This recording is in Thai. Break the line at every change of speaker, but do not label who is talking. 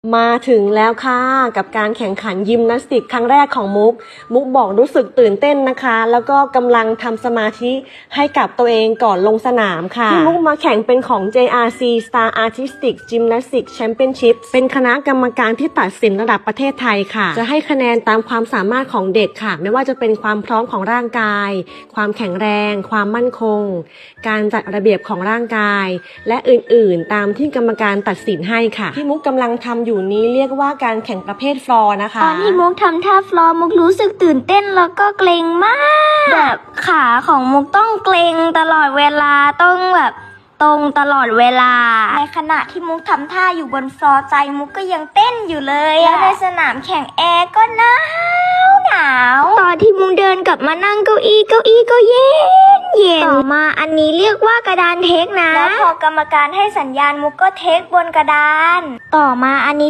มาถึงแล้วค่ะกับการแข่งขันยิมนาสติกครั้งแรกของมุกบอกรู้สึกตื่นเต้นนะคะแล้วก็กำลังทำสมาธิให้กับตัวเองก่อนลงสนามค่ะที่มุกมาแข่งเป็นของ JRC Star Artistic Gymnastics Championship เป็นคณะกรรมการที่ตัดสินระดับประเทศไทยค่ะจะให้คะแนนตามความสามารถของเด็กค่ะไม่ว่าจะเป็นความพร้อมของร่างกายความแข็งแรงความมั่นคงการจัดระเบียบของร่างกายและอื่นๆตามที่กรรมการตัดสินให้ค่ะที่มุกกำลังทำอยู่นี้เรียกว่าการแข่งประเภทฟลอร์นะคะ
ตอนที่มุกทำท่าฟลอร์มุกรู้สึกตื่นเต้นแล้วก็เกรงมากแบบขาของมุกต้องเกรงตลอดเวลาต้องแบบตรงตลอดเวลาในขณะที่มุกทำท่าอยู่บนฟลอร์ใจมุกก็ยังเต้นอยู่เลยแล้วในสนามแข่งแอร์ก็หนาวตอนที่มุกเดินกลับมานั่งเก้าอี้ก็เย็นต่อมาอันนี้เรียกว่ากระดานเทคนะแล้วพอกรรมการให้สัญญาณมุกก็เทคบนกระดานต่อมาอันนี้